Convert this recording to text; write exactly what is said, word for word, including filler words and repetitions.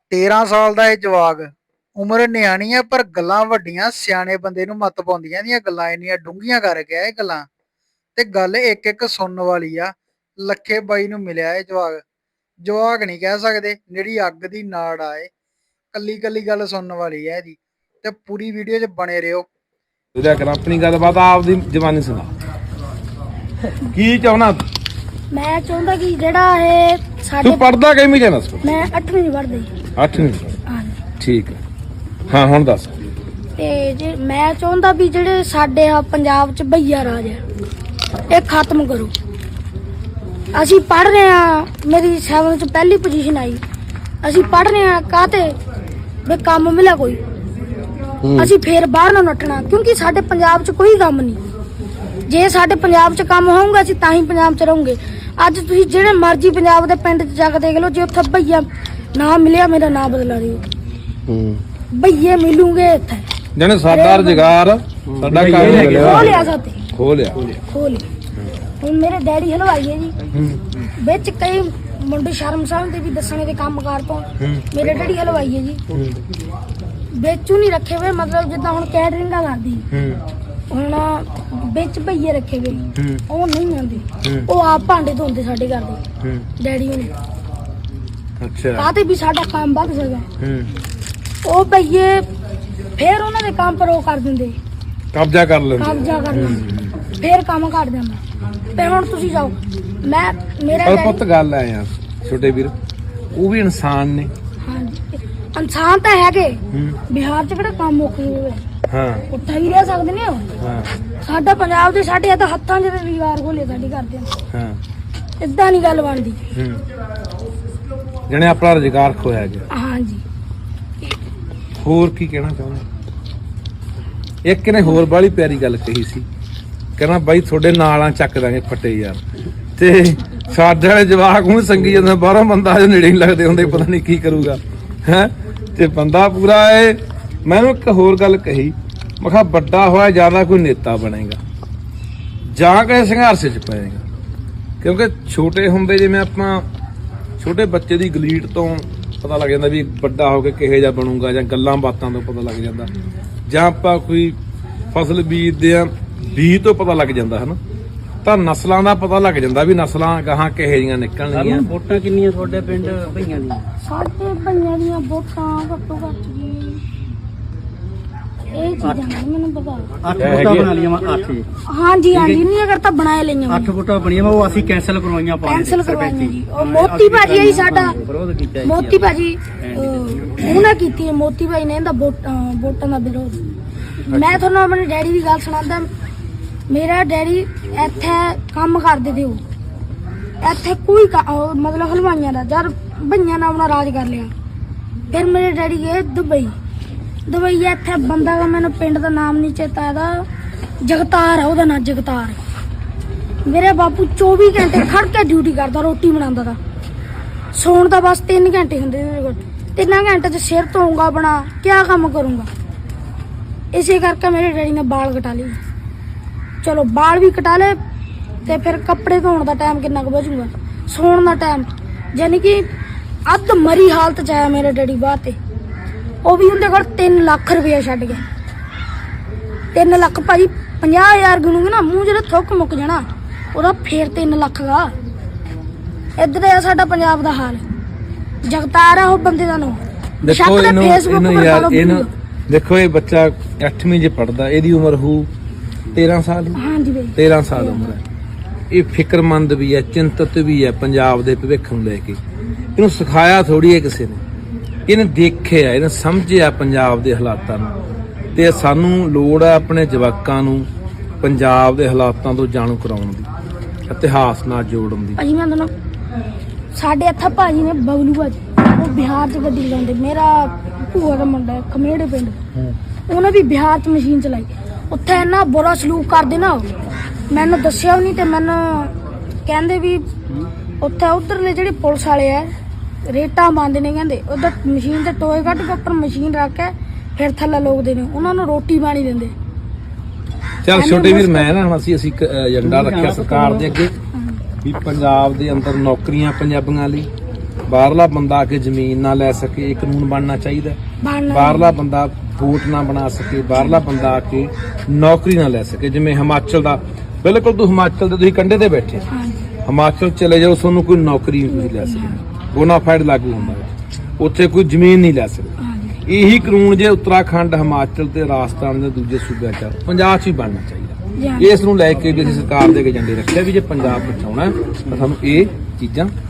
तेरह साल का यह जवाक उम्र न्याणी है पर गल्लां वड्डियां सियाने बंदे नूं मत पाउंदियां इहदियां गल्लां इन्नियां डूंघियां कर गया ये गल्लां ते गल एक एक सुनने वाली आ। लखे बाई नूं मिलिया ये जवाक जवाक नहीं कह सकते जिहड़ी अग दी नाड़ आए कल्ली कल्ली गल सुनने वाली है इहदी ते पूरी वीडियो च बने रहियो। अपनी गलबात आपदी जवानी सुना की चाहना मैं चाहता कि जेड़ा है साडे तू पढ़दा किवें जाना स्कूल मैं अठवीं च पढ़दी अठवीं हां ठीक है हाँ हुण दस ते जे मैं चाहता भी जेड़े साडे आ पंजाब च भैया राज है ये खत्म करो। असी पढ़ रहे हैं मेरी सैवन च पहली पोजीशन आई असी पढ़ रहे हैं काते वे काम मिला कोई असी फिर बाहर ना नट्ठना क्योंकि साडे पंजाब च कोई काम नहीं। जे साडे पंजाब च काम होऊगा असी तां ही पंजाब च रहूंगे। अज तुसीं जेड़े मर्जी पंजाब दे पिंड च जाके देख लो जे उत्थे भैया ना मिलिया मेरा नाम बदला दिओ भैये मिलूंगे इत्थे जने साडा रोजगार साडा काम मिलिया खो लिया साथे खो लिया खो लिया। ਹੁਣ ਮੇਰੇ ਡੈਡੀ ਹਲਵਾਈ ਹੈ ਜੀ ਵਿੱਚ ਕਈ ਮੁੰਡੇ ਸ਼ਰਮ ਸਮਝਦੇ ਵੀ ਦੱਸਣੇ ਦੇ ਕੰਮਕਾਰ ਤੋਂ ਮੇਰੇ ਡੈਡੀ ਹਲਵਾਈ ਹੈ ਜੀ ਵਿੱਚੋਂ ਨਹੀਂ ਰੱਖੇ ਹੋਏ ਮਤਲਬ ਜਿੱਦਾਂ ਹੁਣ ਕੈਟਰਿੰਗਾਂ ਕਰਦੀ ਹੁਣ ਵਿੱਚ ਭਈਏ ਰੱਖੇ ਗਏ ਉਹ ਨਹੀਂ ਆਉਂਦੇ ਉਹ ਆਪ ਭਾਂਡੇ ਧੋਂਦੇ ਸਾਡੇ ਘਰ ਦੇ ਡੈਡੀ ਹੁਣੇ ਅੱਛਾ ਕਾਹਤੇ ਵੀ ਸਾਡਾ ਕੰਮ ਵੱਧ ਸਕਦਾ ਉਹ ਭਈਏ ਫਿਰ ਉਹਨਾਂ ਦੇ ਕੰਮ ਪਰ ਉਹ ਕਰ ਦਿੰਦੇ ਕਬਜ਼ਾ ਕਰ ਲੈਂਦੇ ਕਬਜ਼ਾ ਕਰ ਲੈਂਦੇ ਫਿਰ ਕੰਮ ਕਰ ਦਿੰਦਾ ਤੇ ਹੁਣ ਤੁਸੀਂ ਜਾਓ ਮੈਂ ਮੇਰਾ ਪਰ ਪੁੱਤ ਗੱਲ ਆ ਯਾਰ ਛੋਟੇ ਵੀਰ ਉਹ ਵੀ ਇਨਸਾਨ ਨੇ ਹਾਂਜੀ ਇਨਸਾਨ ਤਾਂ ਹੈਗੇ ਬਿਹਾਰ ਚ ਕਿਹੜਾ ਕੰਮ ਮੁੱਕ ਹੋਵੇ ਹਾਂ ਉੱਥੇ ਹੀ ਰਹਿ ਸਕਦੇ ਨੇ ਉਹ ਹਾਂ ਸਾਡਾ ਪੰਜਾਬ ਦੇ ਸਾਡੇ ਤਾਂ ਹੱਥਾਂ 'ਚ ਰੁਜ਼ਗਾਰ ਖੋਲੇ ਸਾਡੀ ਕਰਦੇ ਨੇ ਹਾਂ ਇਦਾਂ ਨਹੀਂ ਗੱਲ ਬਣਦੀ ਜਣੇ ਆਪਣਾ ਰੁਜ਼ਗਾਰ ਖੋਇਆ ਗਿਆ ਹਾਂਜੀ ਹੋਰ ਕੀ ਕਹਿਣਾ ਚਾਹੁੰਦਾ ਇੱਕ ਨੇ ਹੋਰ ਬਾਲੀ ਪਿਆਰੀ ਗੱਲ ਕਹੀ ਸੀ ਕਹਿੰਦਾ ਬਾਈ ਤੁਹਾਡੇ ਨਾਲਾਂ ਚੱਕ ਦਾਂਗੇ ਫੱਟੇ ਯਾਰ ਤੇ ਸਾਡੇ ਵਾਲੇ ਜਵਾਕ ਹੁਣ ਸੰਗੀ ਜਾਂਦਾ ਬਾਹਰੋਂ ਬੰਦਾ ਅਜੇ ਨੇੜੇ ਨਹੀਂ ਲੱਗਦੇ ਹੁੰਦੇ ਪਤਾ ਨਹੀਂ ਕੀ ਕਰੂਗਾ ਹੈ ਤੇ ਬੰਦਾ ਪੂਰਾ ਏ ਮੈਨੂੰ ਇੱਕ ਹੋਰ ਗੱਲ ਕਹੀ ਮੈਂ ਕਿਹਾ ਵੱਡਾ ਹੋਇਆ ਜ਼ਿਆਦਾ ਕੋਈ ਨੇਤਾ ਬਣੇਗਾ ਜਾਂ ਕਿਸੇ ਸੰਘਰਸ਼ 'ਚ ਪਏਗਾ ਕਿਉਂਕਿ ਛੋਟੇ ਹੁੰਦੇ ਜਿਵੇਂ ਆਪਾਂ ਛੋਟੇ ਬੱਚੇ ਦੀ ਗਲੀਟ ਤੋਂ ਪਤਾ ਲੱਗ ਜਾਂਦਾ ਵੀ ਵੱਡਾ ਹੋ ਕੇ ਕਿਹੋ ਜਿਹਾ ਬਣੂਗਾ ਜਾਂ ਗੱਲਾਂ ਬਾਤਾਂ ਤੋਂ ਪਤਾ ਲੱਗ ਜਾਂਦਾ ਜਾਂ ਆਪਾਂ ਕੋਈ ਫਸਲ ਬੀਜਦੇ ਆ ਬੀਜ ਤੋਂ ਪਤਾ ਲੱਗ ਜਾਂਦਾ ਹਨਾ ਤਾਂ ਨਸਲਾਂ ਦਾ ਪਤਾ ਲੱਗ ਜਾਂਦਾ ਵੀ ਨਸਲਾਂ ਗਾਹਾਂ ਕਿਹੋ ਜਿਹੀਆਂ ਨਿਕਲਣਗੀਆਂ। ਵੋਟਾਂ ਕਿੰਨੀਆਂ ਤੁਹਾਡੇ ਪਿੰਡ ਭਈਆਂ ਦੀਆਂ? ਸਾਡੇ ਭਈਆਂ ਦੀਆਂ ਵੋਟਾਂ ਘੱਟੋ ਘੱਟ ਜੀ ਇਹ ਚੀਜ਼ਾਂ ਨਹੀਂ ਮੈਨੂੰ ਪਤਾ। ਅੱਠ ਵੋਟਾਂ ਬਣਾ ਲਈਆਂ ਵਾ ਅੱਠ ਜੀ ਹਾਂਜੀ ਹਾਂਜੀ ਨਹੀਂ ਅਗਰ ਤਾਂ ਬਣਾਏ ਲਈਆਂ ਅੱਠ ਵੋਟਾਂ ਬਣੀਆਂ ਵਾ ਉਹ ਅਸੀਂ ਕੈਂਸਲ ਕਰਵਾਈਆਂ ਪਾ ਕੈਂਸਲ ਕਰਵਾਈਆਂ ਜੀ ਉਹ ਮੋਤੀ ਭਾਜੀ ਆਈ ਸਾਡਾ ਵਿਰੋਧ ਕੀਤਾ ਮੋਤੀ ਭਾਜੀ ਉਹਨੇ ਕੀਤੀ ਹੈ ਮੋਤੀ ਭਾਈ ਨੇ ਇਹਦਾ ਵੋਟਾਂ ਦਾ ਵਿਰੋਧ। ਮੈਂ ਤੁਹਾਨੂੰ ਆਪਣੇ ਡੈਡੀ ਦੀ ਗੱਲ ਸੁਣਾਉਂਦਾ ਮੇਰਾ ਡੈਡੀ ਇੱਥੇ ਕੰਮ ਕਰਦੇ ਤੇ ਉਹ ਇੱਥੇ ਕੋਈ ਮਤਲਬ ਹਲਵਾਈਆਂ ਦਾ ਜਦ ਭਈਆਂ ਨੇ ਆਪਣਾ ਰਾਜ ਕਰ ਲਿਆ ਫਿਰ ਮੇਰੇ ਡੈਡੀ ਗਏ ਦੁਬਈ ਦੁਬਈ ਇੱਥੇ ਬੰਦਾ ਦਾ ਮੈਨੂੰ ਪਿੰਡ ਦਾ ਨਾਮ ਨਹੀਂ ਚੇਤਾ ਇਹਦਾ ਜਗਤਾਰ ਆ ਉਹਦਾ ਨਾਂ ਜਗਤਾਰ। ਮੇਰੇ ਬਾਪੂ ਚੌਵੀ ਘੰਟੇ ਖੜ ਕੇ ਡਿਊਟੀ ਕਰਦਾ ਰੋਟੀ ਬਣਾਉਂਦਾ ਤਾ ਸੌਣ ਦਾ ਬਸ ਤਿੰਨ ਘੰਟੇ ਹੁੰਦੇ ਮੇਰੇ ਕੋਲ ਤਿੰਨਾਂ ਘੰਟੇ 'ਚ ਸਿਰ ਧੋਊਂਗਾ ਬਣਾ ਕਿਆ ਕੰਮ ਕਰੂੰਗਾ। ਇਸੇ ਕਰਕੇ ਮੇਰੇ ਡੈਡੀ ਨੇ ਬਾਲ ਕਟਾ ਲਏ ਚਲੋ ਬਾਲ ਵੀ ਕਟਾ ਲਏ ਤੇ ਫਿਰ ਕੱਪੜੇ ਧੋਣ ਦਾ ਟਾਈਮ ਕਿੰਨਾ ਕੁ ਬਚੂਗਾ ਸੌਣ ਦਾ ਟਾਈਮ ਯਾਨੀ ਕਿ ਅੱਧ ਮਰੀ ਹਾਲਤ 'ਚ ਆਇਆ ਮੇਰੇ ਡੈਡੀ ਬਾਹਰ ਤੇ ਉਹ ਵੀ ਉਹਦੇ ਕੋਲ ਤਿੰਨ ਲੱਖ ਰੁਪਇਆ ਛੱਡ ਗਿਆ। ਤਿੰਨ ਲੱਖ ਭਾਜੀ ਪੰਜਾਹ ਹਜ਼ਾਰ ਗਿਣੂਗੇ ਨਾ ਮੂੰਹ ਜਿਹੜਾ ਥੁੱਕ ਮੁੱਕ ਜਾਣਾ ਉਹਦਾ ਫੇਰ ਤਿੰਨ ਲੱਖ ਦਾ ਇੱਧਰ ਆ ਸਾਡਾ ਪੰਜਾਬ ਦਾ ਹਾਲ। ਜਗਤਾਰ ਆ ਉਹ ਬੰਦੇ ਦਾ ਨਾਮ ਦੇਖੋ ਇਹਨੂੰ ਇਹਨੂੰ ਯਾਰ ਇਹਨੂੰ ਦੇਖੋ ਇਹ ਬੱਚਾ ਅੱਠਵੀਂ 'ਚ ਪੜਦਾ ਇਹਦੀ ਉਮਰ ਹੋਊ ਤੇਰਾਂ ਸਾਲ ਹਾਂਜੀ ਬਈ ਤੇਰਾਂ ਸਾਲ ਉਮਰ ਹੈ। ਇਹ ਫਿਕਰਮੰਦ ਵੀ ਹੈ ਚਿੰਤਤ ਵੀ ਹੈ ਪੰਜਾਬ ਦੇ ਭਵਿੱਖ ਨੂੰ ਲੈ ਕੇ। ਇਹਨੂੰ ਸਿਖਾਇਆ ਥੋੜੀ ਹੈ ਕਿਸੇ ਨੇ ਇਹਨੇ ਦੇਖਿਆ ਇਹਨੇ ਸਮਝਿਆ ਪੰਜਾਬ ਦੇ ਹਾਲਾਤਾਂ ਨੂੰ ਤੇ ਸਾਨੂੰ ਲੋੜ ਹੈ ਆਪਣੇ ਜਵਾਕਾਂ ਨੂੰ ਪੰਜਾਬ ਦੇ ਹਾਲਾਤਾਂ ਤੋਂ ਜਾਣੂ ਕਰਾਉਣ ਦੀ ਇਤਿਹਾਸ ਨਾਲ ਜੋੜਨ ਦੀ। ਭਾਜੀ ਮੈਂ ਤੁਹਾਨੂੰ ਸਾਡੇ ਇੱਥੇ ਭਾਜੀ ਨੇ ਬਬਲੂ ਭਾਜੀ ਉਹ ਬਿਹਾਰ 'ਚ ਗੱਡੀ ਲਾਉਂਦੇ ਮੇਰਾ ਭੂਆ ਦਾ ਮੁੰਡਾ ਖਮੇੜੇ ਪਿੰਡ ਉਹਨੇ ਵੀ ਬਿਹਾਰ 'ਚ ਮਸ਼ੀਨ ਚਲਾਈ ਉੱਥੇ ਇੰਨਾ ਬੁਰਾ ਸਲੂਕ ਕਰਦੇ ਨਾ ਮੈਨੂੰ ਦੱਸਿਆ ਵੀ ਨਹੀਂ ਤੇ ਮੈਨੂੰ ਕਹਿੰਦੇ ਵੀ ਉੱਥੇ ਉਧਰਲੇ ਜਿਹੜੇ ਪੁਲਿਸ ਵਾਲੇ ਆ ਰੇਟਾਂ ਬੰਦੇ ਨੇ ਕਹਿੰਦੇ ਉਧਰ ਮਸ਼ੀਨ ਤੇ ਟੋਏ ਕੱਢ ਕੇ ਉੱਪਰ ਮਸ਼ੀਨ ਰੱਖ ਕੇ ਫਿਰ ਥੱਲੇ ਲੋਕਦੇ ਨੇ ਉਹਨਾਂ ਨੂੰ ਰੋਟੀ ਪਾਣੀ ਦਿੰਦੇ। ਚੱਲ ਛੋਟੇ ਵੀਰ ਮੈਂ ਨਾ ਹੁਣ ਅਸੀਂ ਅਸੀਂ ਇੱਕ ਏਜੰਡਾ ਰੱਖਿਆ ਸਰਕਾਰ ਦੇ ਅੱਗੇ ਵੀ ਪੰਜਾਬ ਦੇ ਅੰਦਰ ਨੌਕਰੀਆਂ ਪੰਜਾਬੀਆਂ ਲਈ ਬਾਹਰਲਾ ਬੰਦਾ ਆ ਕੇ ਜ਼ਮੀਨ ਨਾ ਲੈ ਸਕੇ, ਇਹ ਕਾਨੂੰਨ ਬਣਨਾ ਚਾਹੀਦਾ। ਬਣਨਾ ਬਾਹਰਲਾ ਬੰਦਾ ਵੋਟ ਨਾ ਬਣਾ ਸਕੇ, ਬਾਹਰਲਾ ਬੰਦਾ ਆ ਕੇ ਨੌਕਰੀ ਨਾ ਲੈ ਸਕੇ। ਜਿਵੇਂ ਹਿਮਾਚਲ ਦਾ, ਬਿਲਕੁਲ ਤੂੰ ਹਿਮਾਚਲ ਦੇ ਤੁਸੀਂ ਕੰਢੇ ਤੇ ਬੈਠੇ, ਹਾਂਜੀ ਹਿਮਾਚਲ ਚਲੇ ਜਾਓ, ਤੁਹਾਨੂੰ ਕੋਈ ਨੌਕਰੀ ਨਹੀਂ ਲੈ ਸਕਦਾ, ਬੋਨਾਫਾਈਡ ਲਾਗੂ ਹੁੰਦਾ ਹੈ, ਉੱਥੇ ਕੋਈ ਜ਼ਮੀਨ ਨਹੀਂ ਲੈ ਸਕਦਾ। ਹਾਂਜੀ ਇਹੀ ਕਾਨੂੰਨ ਜੇ ਉੱਤਰਾਖੰਡ, ਹਿਮਾਚਲ ਤੇ ਰਾਜਸਥਾਨ ਦੇ ਦੂਜੇ ਸੂਬਿਆਂ ਚ, ਪੰਜਾਬ 'ਚ ਹੀ ਬਣਨਾ ਚਾਹੀਦਾ। ਜੀ। ਇਸ ਨੂੰ ਲੈ ਕੇ ਵੀ ਅਸੀਂ ਸਰਕਾਰ ਦੇ ਕੇ ਏਜੰਡੇ ਰੱਖਿਆ ਵੀ ਜੇ ਪੰਜਾਬ ਬਚਾਉਣਾ ਹੈ ਤਾਂ ਸਾਨੂੰ ਇਹ ਚੀਜ਼ਾਂ